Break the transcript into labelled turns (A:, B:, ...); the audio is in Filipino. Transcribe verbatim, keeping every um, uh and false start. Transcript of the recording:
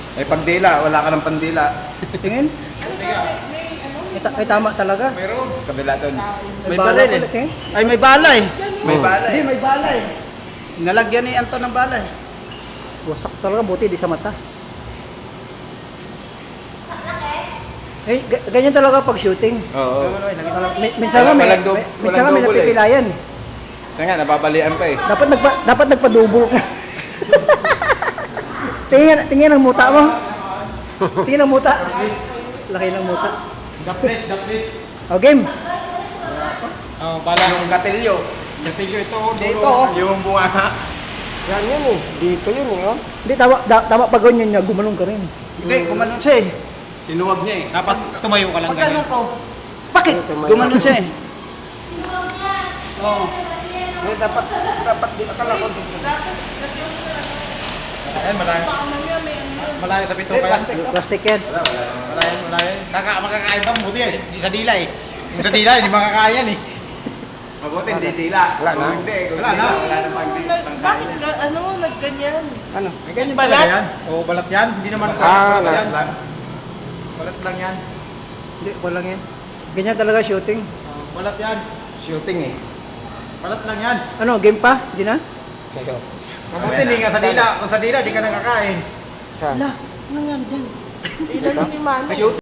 A: May pagdila, wala ka ng pandila.
B: Tingin. Ay, ta- ay tama talaga.
A: Meron. Kabila doon.
B: May bala
C: baril
B: pala,
C: eh.
B: eh.
C: Ay, may bala eh.
A: May
D: Oh.
A: bala
C: Hindi,
A: eh.
C: may bala eh. Nalagyan ni Anton ng bala eh.
B: Wasak talaga, buti di sa mata. Eh, ga- ganyan talaga pag shooting.
A: Oo.
B: Mi- minsan nga may,
A: Walang dub-
B: may- minsan nga
A: walang
B: may
A: double eh.
B: napipilayan.
A: Isa nga, nababalian pa eh.
B: Dapat nagpa, dapat nagpadubo ka. tingin, tingin ang muta mo. Tingin ang muta. Laki ng muta.
A: Daplit, daplit.
B: O, game.
A: Oh, bala yung katilyo. Katilyo ito,
B: Dito, oh.
A: Yung bunga.
C: Yan yun eh. Dito yun eh. Oh.
B: Hindi, tama, da, tama pag ganyan niya, gumanong ka rin.
A: Hindi, kumanon siya eh. Sinuwag niya eh. Dapat tumayo ka lang.
C: Pag ano ko?
B: Bakit? Gumanon siya eh.
C: Oo. Eh, dapat, dapat di akala ko.
A: Ayan, malayo. Malayo sa pito
C: Eh,
A: kaya.
C: plastic.
B: Plastic yan.
A: Malayo, malayo. Kaka, makakain ka, mabuti eh. Di sa dila eh. Yung sa dila, hindi makakain eh. Mabuti, hindi dila.
C: Wala na.
A: Hindi, wala na. Wala na pang
E: Bakit ga- ano nagganyan?
C: Ano?
A: May ganyan
E: Balat?
A: talaga yan. Oo, balat yan. Hindi naman
C: Ah,
A: balat
C: balat
A: yan.
C: lang.
A: Balat lang yan.
B: Hindi, walang yan. Ganyan talaga shooting.
A: Oh, balat yan. Shooting eh. Balat lang yan.
B: Ano, game pa? Hindi na?
A: Mabuti, hindi nga sa dila. Kung sa dila, di ka nakakain.
C: Saan?
B: Wala. Ano nga dyan?
E: Ilan yung imano?
A: Shoot.